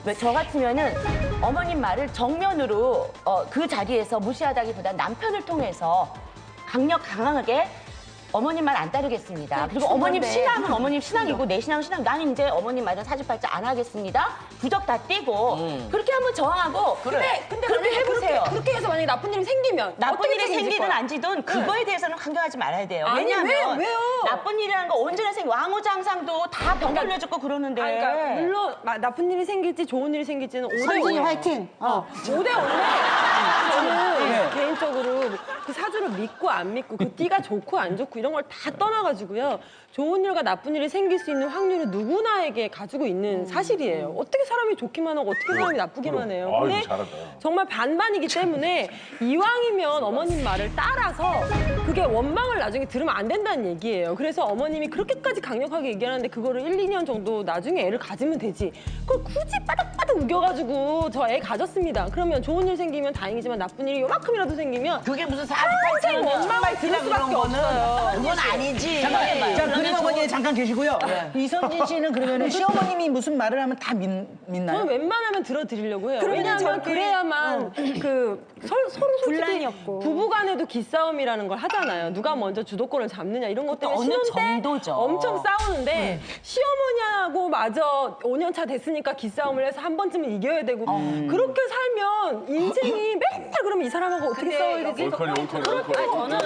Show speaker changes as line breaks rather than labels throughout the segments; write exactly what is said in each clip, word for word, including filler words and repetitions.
왜 저 같으면은 어머님 말을 정면으로 어, 그 자리에서 무시하다기보다 남편을 통해서 강력 강하게 어머님 말 안 따르겠습니다. 그리고 어머님 신앙은 어머님 신앙이고 내 신앙은 신앙. 나는 이제 어머님 말은 사주팔자 안 하겠습니다. 부적 다 떼고
음.
그렇게 한번 저항하고
근데, 근데
그렇게
만약에
해보세요.
그렇게, 그렇게 해서 만약에 나쁜 일이 생기면
나쁜
어떻게
일이
책임질
생기든
거야?
안 지든 그거에 대해서는 강경하지 말아야 돼요.
아니,
왜냐하면
왜, 왜요?
나쁜 일이라는 거 언제나 생겨. 왕후장상도 다 병 걸려죽고 그러는데.
아니, 그러니까 물론 마- 나쁜 일이 생길지 좋은 일이 생길지는 오대
선진이
오예요.
화이팅! 어.
오대 오인데 저는
네.
개인적으로 그 사주를 믿고 안 믿고 그 띠가 좋고 안 좋고 이런 걸 다 떠나가지고요. 좋은 일과 나쁜 일이 생길 수 있는 확률은 누구나에게 가지고 있는 사실이에요. 어떻게 사람이 좋기만 하고 어떻게 사람이 나쁘기만 해요.
아이고,
근데
잘한다.
정말 반반이기 때문에 이왕이면 어머님 말을 따라서 그게 원망을 나중에 들으면 안 된다는 얘기예요. 그래서 어머님이 그렇게까지 강력하게 얘기하는데 그거를 일, 이 년 정도 나중에 애를 가지면 되지. 그걸 굳이 바닥바닥 우겨가지고 저 애 가졌습니다. 그러면 좋은 일 생기면 다행이지만 나쁜 일이 요만큼이라도 생기면
그게 무슨
평생
사주팔자냐.
원망을 들을 수밖에 없어요.
그건 아니지.
잠깐만요.
자,
그러면
그림 어머니
저-
잠깐 계시고요. 이선진 씨는 그러면 시어머님이 무슨 말을 하면 다 믿, 믿나요?
저는 웬만하면 들어드리려고 해요.
그러면
왜냐하면
저렇게-
그래야만 그 서, 서로 솔직히
분란이 없고.
부부간에도 기싸움이라는 걸 하잖아요. 누가 먼저 주도권을 잡느냐 이런 것 때문에
어느
신혼 때
정도죠.
엄청 싸우는데 시어머니하고 마저 오 년 차 됐으니까 기싸움을 해서 한 번쯤은 이겨야 되고 그렇게 살면 인생이 맨날 그러면 이 사람하고 어떻게 싸워야 되지?
올컬이 올컬이 올컬이.
저는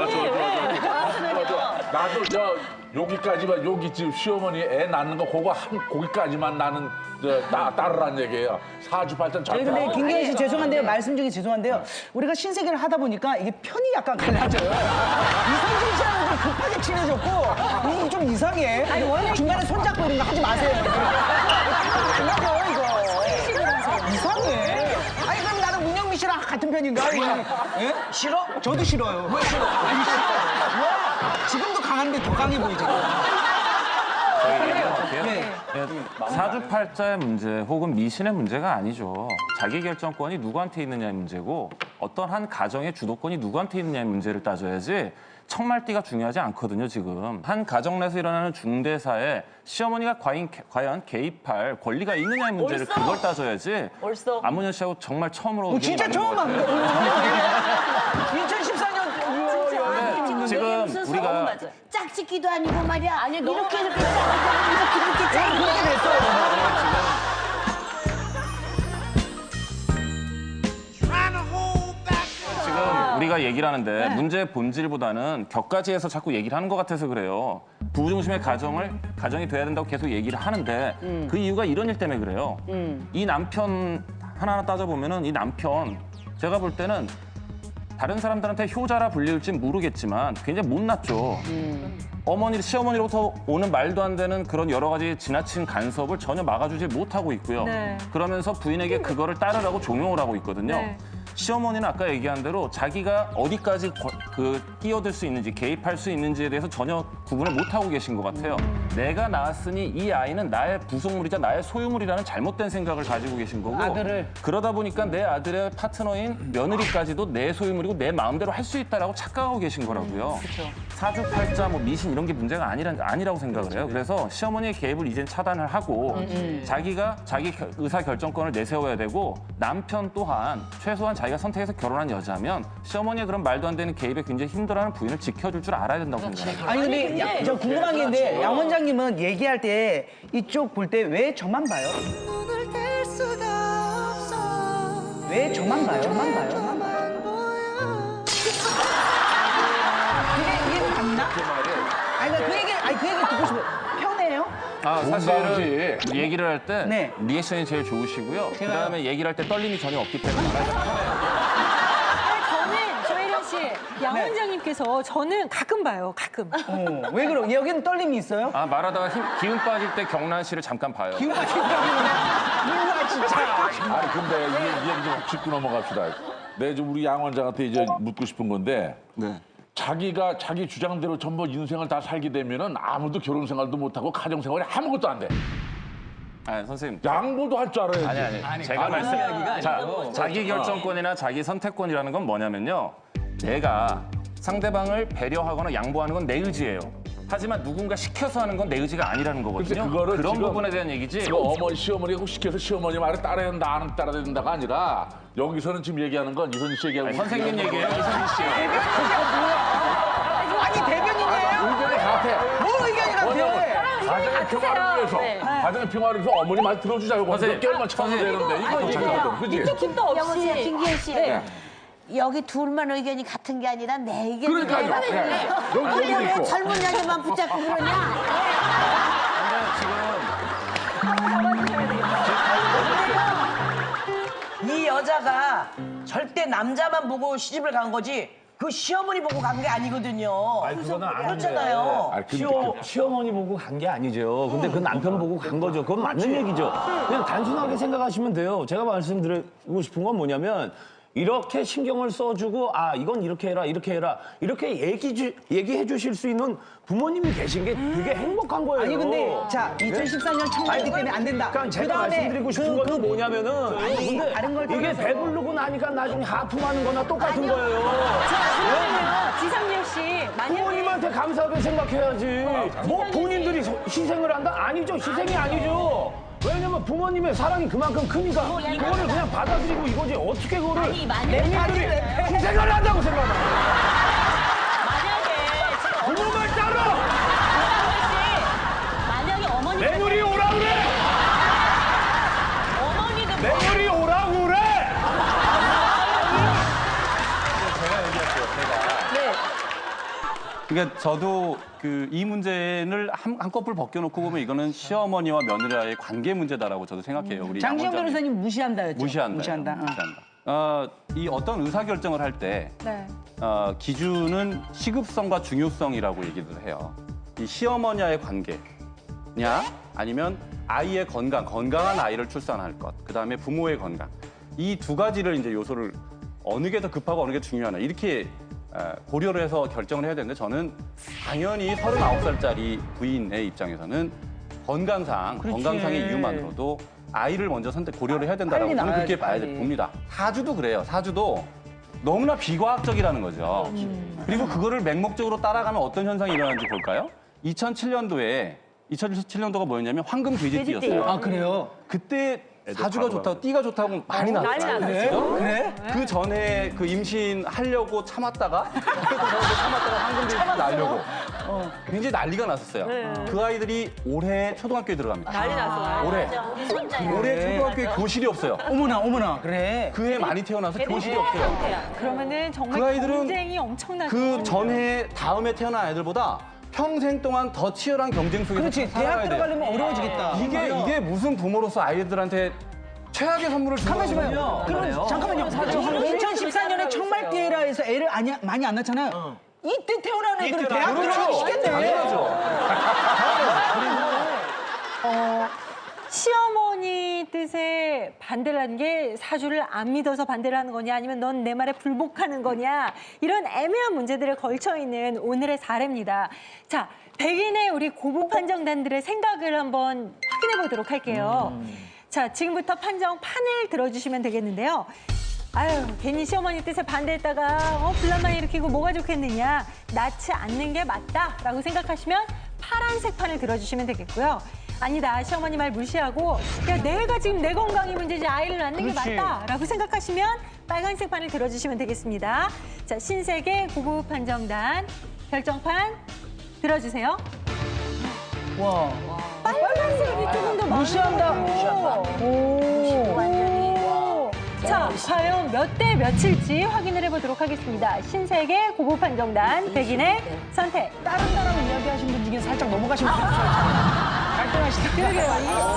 나도 저 여기까지만 여기 지금 시어머니 애 낳는 거 그거 한 거기까지만 나는 저 따, 따르란 얘기예요. 사주팔자는
네,
절대.
근데
안 해.
김경희 씨 죄송한데요. 말씀 중에 죄송한데요. 우리가 신세계를 하다 보니까 이게 편이 약간 갈라져요. 이선진 씨하고 좀 급하게 친해졌고 이게 좀 이상해. 중간에 손잡고 이런 거 하지 마세요. 갈라져요, 이거. 이상해. 아니, 그럼 나는 문영미 씨랑 같은 편인가? 예? 싫어? 저도 싫어요. 왜 싫어? 아니, 싫어. 왜? 지금도 강한데 더 강해 보이죠. 네.
사주팔자의 문제 혹은 미신의 문제가 아니죠. 자기 결정권이 누구한테 있느냐의 문제고 어떤 한 가정의 주도권이 누구한테 있느냐의 문제를 따져야지 청말띠가 중요하지 않거든요, 지금. 한 가정 내에서 일어나는 중대사에 시어머니가 과연, 과연 개입할 권리가 있느냐의 문제를
옳소.
그걸 따져야지
옳소.
안문현 씨하고 정말 처음으로
어, 진짜
의견이
처음
맞는 것 같아요.
합니다. 이천십사 년
네, 지금 우리가
맞아요.
짝짓기도 아니고 말이야.
아니, 너무
이렇게 이렇게
많아요.
이렇게 이렇게 짝
그렇게 됐어요.
지금 우리가 얘기를 하는데
네.
문제의 본질보다는 격가지에서 자꾸 얘기를 하는 것 같아서 그래요. 부부 중심의 가정을 가정이 돼야 된다고 계속 얘기를 하는데
음.
그 이유가 이런 일 때문에 그래요. 이 남편 하나하나 따져보면은 이 남편 제가 볼 때는 다른 사람들한테 효자라 불릴지 모르겠지만 굉장히 못났죠.
음.
어머니, 시어머니로부터 오는 말도 안 되는 그런 여러 가지 지나친 간섭을 전혀 막아주지 못하고 있고요.
네.
그러면서 부인에게 그거를 따르라고 종용을 하고 있거든요.
네.
시어머니는 아까 얘기한 대로 자기가 어디까지 거- 그 끼어들 수 있는지 개입할 수 있는지에 대해서 전혀 구분을 못하고 계신 것 같아요. 내가 낳았으니 이 아이는 나의 부속물이자 나의 소유물이라는 잘못된 생각을 가지고 계신 거고
아들을.
그러다 보니까 내 아들의 파트너인 며느리까지도 내 소유물이고 내 마음대로 할 수 있다라고 착각하고 계신 거라고요. 사주팔자, 뭐 미신 이런 게 문제가 아니라, 아니라고 생각을 해요. 그래서 시어머니의 개입을 이젠 차단을 하고 자기가 자기 겨- 의사 결정권을 내세워야 되고 남편 또한 최소한 자기가 선택해서 결혼한 여자면 시어머니의 그런 말도 안 되는 개입에 굉장히 힘들어하는 부인을 지켜줄 줄 알아야 된다고 생각해요.
아니 근데 야, 저 궁금한 게 있는데 양 원장님은 얘기할 때 이쪽 볼 때 왜 저만 봐요? 왜 저만 봐요? 저만 봐요? 저만 봐요? 그게 이게 맞나? 아니 그러니까 그 얘기 아니 그 얘기 듣고 싶어요. 편해요?
아,
공감이지.
사실은 얘기를 할 때
네.
리액션이 제일 좋으시고요. 그다음에 얘기를 할 때 떨림이 전혀 없기 때문에
저는 조혜련 씨, 양
네.
원장님께서 저는 가끔 봐요, 가끔.
어, 왜 그러? 여기는 떨림이 있어요?
아, 말하다가 힘, 기운 빠질 때 경란 씨를 잠깐 봐요.
기운 빠진다구나. 몰라 진짜.
아니 근데 이, 이 얘기 좀 짚고 넘어갑시다. 내가 좀 우리 양 원장한테 이제 묻고 싶은 건데
네.
자기가 자기 주장대로 전부 인생을 다 살게 되면은 아무도 결혼 생활도 못 하고 가정 생활이 아무것도 안 돼.
아, 선생님.
양보도 할 줄 알아야지.
아니, 아니. 제가 말씀, 자, 자기 결정권이나 자기 선택권이라는 건 뭐냐면요. 내가 상대방을 배려하거나 양보하는 건 내 의지예요. 하지만 누군가 시켜서 하는 건 내 의지가 아니라는 거거든요.
근데 그거를
그런
지금
부분에 대한 얘기지.
그 어머니, 시어머니가 꼭 시켜서 시어머니 말을 따라야 된다, 나는 따라야 된다가 아니라 여기서는 지금 얘기하는 건 이선희 씨 얘기하고
아니, 선생님 얘기예요, 이선희 씨.
아니 대변인이에요?
의견이 같아.
뭐 의견이 같아?
가정의 평화를 위해서, 가정의 평화를 위해서 어머니 말 들어주자고
선생님,
몇 개월만 참으면 되는데 이거 얘기하거든, 그지?
밑도 끝도
여보세요,
없이.
김기현 씨.
네.
여기 둘만 의견이 같은 게 아니라 내 의견이
그러니까요.
내가
네. 여기
근데
여기도
왜
있고.
젊은 여자만 붙잡고 그러냐?
지금
이 여자가 절대 남자만 보고 시집을 간 거지 그 시어머니 보고 간 게 아니거든요.
아니, 그거는 아닌데.
그렇잖아요.
아, 근데
시어, 시어머니 보고 간 게 아니죠. 근데 그 남편 보고 간 거죠. 그건 맞는 얘기죠. 그냥 단순하게 생각하시면 돼요. 제가 말씀드리고 싶은 건 뭐냐면 이렇게 신경을 써주고 아 이건 이렇게 해라 이렇게 해라 이렇게 얘기 주, 얘기해 주실 수 있는 부모님이 계신 게 되게 행복한 거예요.
아니 근데 자 이천십사 년 청말기 때문에 안 된다.
그러니까 제가
그다음에
말씀드리고 싶은
그-
건 뭐냐면은
아니,
근데
다른 걸
이게
떠나서.
배부르고 나니까 나중에 하품하는 거나 똑같은 거예요.
그러면요, 지상렬 씨, 만약에
부모님한테 감사하게 생각해야지. 뭐 본인들이 소- 희생을 한다? 아니죠. 희생이 아니죠. 왜냐면 부모님의 사랑이 그만큼 크니까 그거를 그냥 받아들이고 이거지. 어떻게 그거를 본인들이 희생을 한다고 생각하나.
만약에 지금
부모 말 따라!
만약에 어머니
며느리 오라 그래!
어머니도
며느리 오라 그래!
그러니까 저도 그 이 문제를 한, 한꺼풀 벗겨놓고 보면 이거는 시어머니와 며느리와의 관계 문제다라고 저도 생각해요. 우리
장지영
양 원장님.
변호사님 무시한다 했죠?
무시한다.
무시한다. 어.
무시한다. 어, 이 어떤 의사 결정을 할 때
네.
어, 기준은 시급성과 중요성이라고 얘기를 해요. 이 시어머니와의 관계냐 아니면 아이의 건강, 건강한 아이를 출산할 것, 그 다음에 부모의 건강 이 두 가지를 이제 요소를 어느 게 더 급하고 어느 게 중요하나 이렇게 어, 고려를 해서 결정을 해야 되는데 저는 당연히 서른아홉 살짜리 부인의 입장에서는 건강상,
그렇지.
건강상의 이유만으로도 아이를 먼저 선택 고려를 해야 된다라고
빨리
저는
낳아야지,
그렇게 봐야
빨리.
봅니다. 사주도 그래요. 사주도 너무나 비과학적이라는 거죠. 그리고 그거를 맹목적으로 따라가면 어떤 현상이 일어나는지 볼까요? 이천칠 년도에 이천칠 년도가 뭐였냐면 황금 돼지띠였어요.
아 그래요?
그때 사주가 좋다고 띠가 좋다고 많이 났어요.
그래? 그래?
그 전에 그 임신하려고 참았다가 참았다가 황금 돼지 낳으려고 굉장히 난리가 났었어요. 그 아이들이 올해 초등학교에 들어갑니다.
난리 났어.
올해
우리 손자야.
올해 초등학교에 교실이 없어요.
어머나 어머나 그래.
그 해 많이 태어나서 교실이 없어요.
그러면은 정말
그 아이들은
경쟁이 엄청나죠.
그 전해 다음에 태어난 아이들보다 평생 동안 더 치열한 경쟁 속에서
그렇지
살아가야
대학
돼요.
들어가려면 어려워지겠다.
이게 이게 무슨 부모로서 아이들한테 최악의 선물을 주는
가만히
거예요.
봐요. 그럼 잠깐만요. 이천십사 년에 청말기에라에서 애를 아니, 많이 안 낳잖아요. 이때 태어난 애들은 대학 들어가기 시켰네.
당연하죠.
시어머니 뜻에 반대를 하는 게 사주를 안 믿어서 반대를 하는 거냐 아니면 넌 내 말에 불복하는 거냐 이런 애매한 문제들에 걸쳐 있는 오늘의 사례입니다. 자, 백인의 우리 고부 판정단들의 생각을 한번 확인해 보도록 할게요. 자, 지금부터 판정 판을 들어주시면 되겠는데요. 아유, 괜히 시어머니 뜻에 반대했다가 어, 분란만 일으키고 뭐가 좋겠느냐. 낳지 않는 게 맞다라고 생각하시면 파란색 판을 들어주시면 되겠고요. 아니다, 시어머니 말 무시하고 야, 내가 지금 내 건강이 문제지 아이를 낳는 게 맞다라고 생각하시면 빨간색 판을 들어주시면 되겠습니다. 자, 신세계 고부 판정단 결정판 들어주세요.
와.
빨간색이 조금 더
무시한다.
많아요.
오.
오. 자, 과연 몇 대 몇일지 확인을 해보도록 하겠습니다. 신세계 고부 판정단 백인의 선택.
다른 사람 이야기하신 분 중에 살짝 넘어가신 분 있어요. 갈등하시다.
그러게요.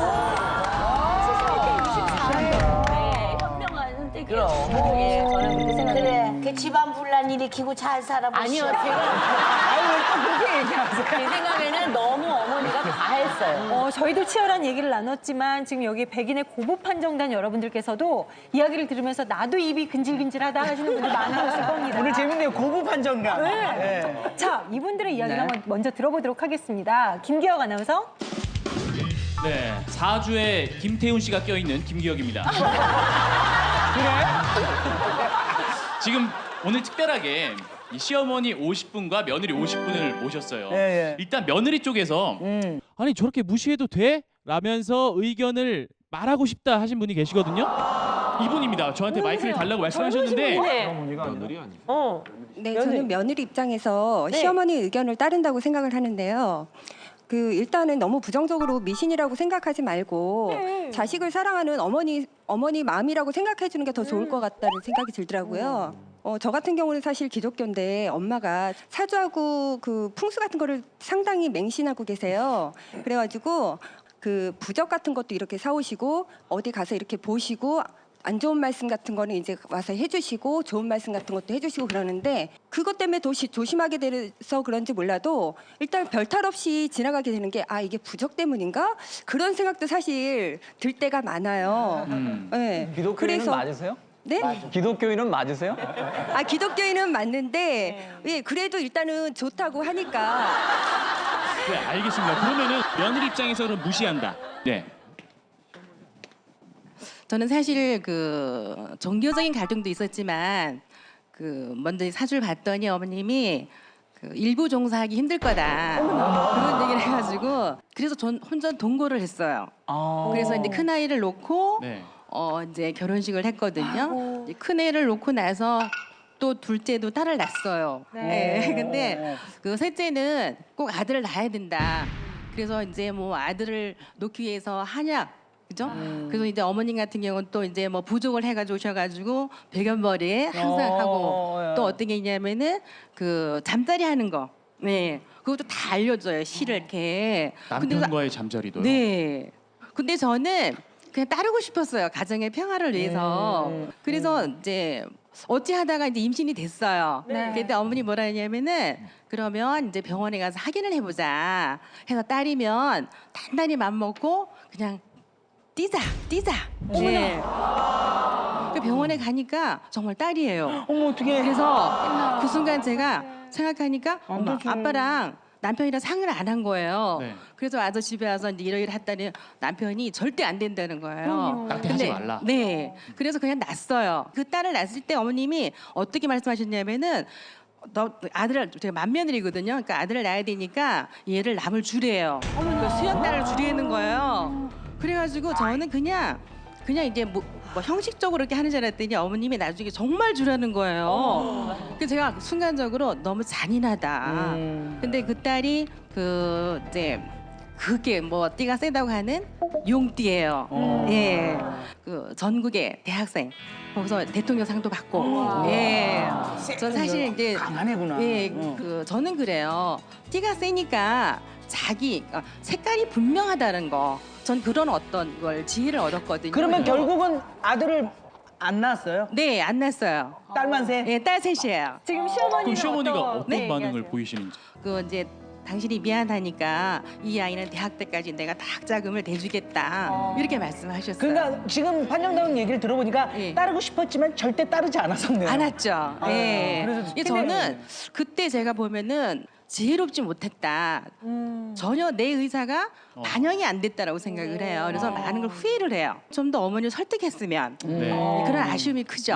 네, 현명한 선택이에요.
그럼.
예, 저는 그렇게 생각해요.
그래, 그 집안 분란 일으키고 잘 살아보시오.
아니요, 제가
아유 왜또 그렇게 얘기하세요?
제 생각에는 너무 어머니가 과했어요.
어, 저희도 치열한 얘기를 나눴지만 지금 여기 백인의 고부 판정단 여러분들께서도 이야기를 들으면서 나도 입이 근질근질하다 하시는 분들 많으셨을 겁니다.
오늘 재밌네요. 고부 판정가.
네. 자, 이분들의 이야기를
네.
한번 먼저 들어보도록 하겠습니다. 김기혁 아나운서.
네, 사주에 김태훈 씨가 껴있는 김기혁입니다.
그래?
지금 오늘 특별하게 이 시어머니 오십 분과 며느리 오십 분을 모셨어요.
예, 예.
일단 며느리 쪽에서
음.
아니 저렇게 무시해도 돼? 라면서 의견을 말하고 싶다 하신 분이 계시거든요.
이분입니다. 저한테 마이크를 달라고 말씀하셨는데
며느리 아니에요?
어.
네, 저는 며느리 입장에서 시어머니 의견을 따른다고 생각을 하는데요. 그 일단은 너무 부정적으로 미신이라고 생각하지 말고 자식을 사랑하는 어머니 어머니 마음이라고 생각해 주는 게 더 좋을 것 같다는 생각이 들더라고요. 어, 저 같은 경우는 사실 기독교인데 엄마가 사주하고 그 풍수 같은 거를 상당히 맹신하고 계세요. 그래가지고 그 부적 같은 것도 이렇게 사오시고 어디 가서 이렇게 보시고 안 좋은 말씀 같은 거는 이제 와서 해주시고 좋은 말씀 같은 것도 해주시고 그러는데 그것 때문에 더 시- 조심하게 돼서 그런지 몰라도 일단 별탈 없이 지나가게 되는 게 아 이게 부적 때문인가 그런 생각도 사실 들 때가 많아요.
음.
네.
기독교인은
그래서-
맞으세요?
네?
기독교인은 맞으세요?
아 기독교인은 맞는데 예 그래도 일단은 좋다고 하니까
네, 알겠습니다. 그러면은 며느리 입장에서 그럼 무시한다. 네.
저는 사실 그 종교적인 갈등도 있었지만 그 먼저 사주를 봤더니 어머님이 그 일부 종사하기 힘들 거다 그런 얘기를 해가지고 그래서 전 혼자 동거를 했어요. 그래서 이제 큰 아이를 놓고
네.
어 이제 결혼식을 했거든요. 이제 큰 애를 놓고 나서 또 둘째도 딸을 낳았어요. 네. 근데 그 셋째는 꼭 아들을 낳아야 된다. 그래서 이제 뭐 아들을 놓기 위해서 한약 그죠? 그래서 이제 어머님 같은 경우는 또 이제 뭐 부족을 해가지고 오셔가지고 백연머리에 항상
어,
하고
예.
또 어떤 게 있냐면은 그 잠자리 하는 거. 네. 그것도 다 알려줘요. 시를 이렇게. 근데
남편과의 잠자리도요.
네. 근데 저는 그냥 따르고 싶었어요. 가정의 평화를 위해서.
음,
그래서 이제 어찌 하다가 이제 임신이 됐어요.
네.
그때 어머니 뭐라 했냐면은 그러면 이제 병원에 가서 확인을 해보자. 해서 딸이면 단단히 맘 먹고 그냥 뛰자, 뛰자. 네. 그 병원에 가니까 정말 딸이에요.
어머 어떻게?
그래서 그 순간 제가 생각하니까 엄마, 아빠랑 남편이랑 상의를 안 한 거예요.
네.
그래서 와서 집에 와서 이제 이러이러 했더니 남편이 절대 안 된다는 거예요.
낙태하지 말라.
네. 그래서 그냥 낳았어요. 그 딸을 낳았을 때 어머님이 어떻게 말씀하셨냐면은 너 아들을 제가 맏며느리거든요. 그러니까 아들을 낳아야 되니까 얘를 남을 주래요. 그 수연딸을 주려는 거예요. 그래가지고 저는 그냥 그냥 이제 뭐, 뭐 형식적으로 이렇게 하는 줄 알았더니 어머님이 나중에 정말 주라는 거예요. 그래서 제가 순간적으로 너무 잔인하다. 근데 그 딸이 그 이제 그게 뭐 띠가 세다고 하는 용띠예요. 예, 그 전국의 대학생 거기서 대통령상도 받고. 예, 전 사실 이제
강한 애구나.
예, 그 저는 그래요. 띠가 세니까 자기 어, 색깔이 분명하다는 거. 전 그런 어떤 걸 지혜를 얻었거든요.
그러면 결국은 아들을 안 낳았어요?
네, 안 낳았어요.
딸만 셋?
예, 딸 셋이에요.
지금
그럼
시어머니는
시어머니가
어떤
어떤
네,
반응을
얘기하세요?
보이시는지.
그 이제 당신이 미안하니까 이 아이는 대학 때까지 내가 다 학자금을 대주겠다 이렇게 말씀하셨어요.
그러니까 지금 판정다운 얘기를 들어보니까
예.
따르고 싶었지만 절대 따르지 않았었네요.
안 왔죠. 예.
그래서
예, 저는 그때 제가 보면은 지혜롭지 못했다. 전혀 내 의사가 반영이 안 됐다라고 생각을 해요. 그래서 많은 걸 후회를 해요. 좀 더 어머니를 설득했으면
네.
그런 아쉬움이 크죠.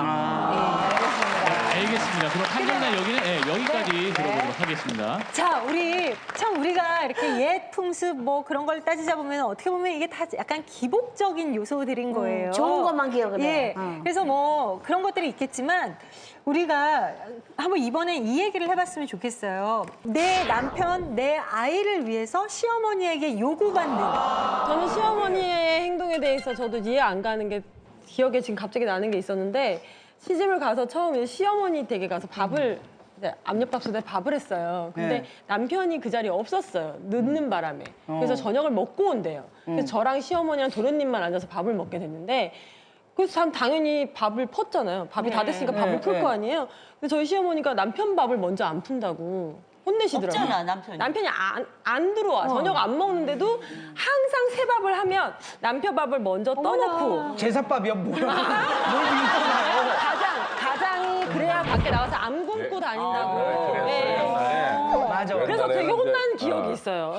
알겠습니다. 그럼 판정단 여기는 예, 여기까지 들어보도록 하겠습니다.
자, 우리 참 우리가 이렇게 옛 풍습 뭐 그런 걸 따지자 보면 어떻게 보면 이게 다 약간 기복적인 요소들인 거예요.
좋은 것만 기억을 해.
예.
어.
그래서 뭐 그런 것들이 있겠지만 우리가 한번 이번에 이 얘기를 해봤으면 좋겠어요. 내 남편, 내 아이를 위해서 시어머니에게 요구받는.
저는 시어머니의 행동에 대해서 저도 이해 안 가는 게 기억에 지금 갑자기 나는 게 있었는데 시집을 가서 처음에 시어머니 댁에 가서 밥을 이제 압력밥솥에 밥을 했어요. 근데
네.
남편이 그 자리에 없었어요. 늦는 바람에. 그래서 저녁을 먹고 온대요. 그래서 저랑 시어머니랑 도련님만 앉아서 밥을 먹게 됐는데 그래서 참 당연히 밥을 펐잖아요. 밥이 다 됐으니까 밥을
네,
풀
네.
거 아니에요. 근데 저희 시어머니가 남편 밥을 먼저 안 푼다고 혼내시더라고요.
없잖아, 남편이.
남편이 안, 안 들어와. 저녁 안 먹는데도 항상 새 밥을 하면 남편 밥을 먼저 떠놓고
제사밥이야 뭐야? 뭘 믿잖아요.
가장, 가장이 그래야 밖에 나와서 안 굶고 다닌다고.
아, 그래,
네.
그래, 그래.
맞아.
그래서 되게
옛날에는
혼난
이제,
기억이
어.
있어요.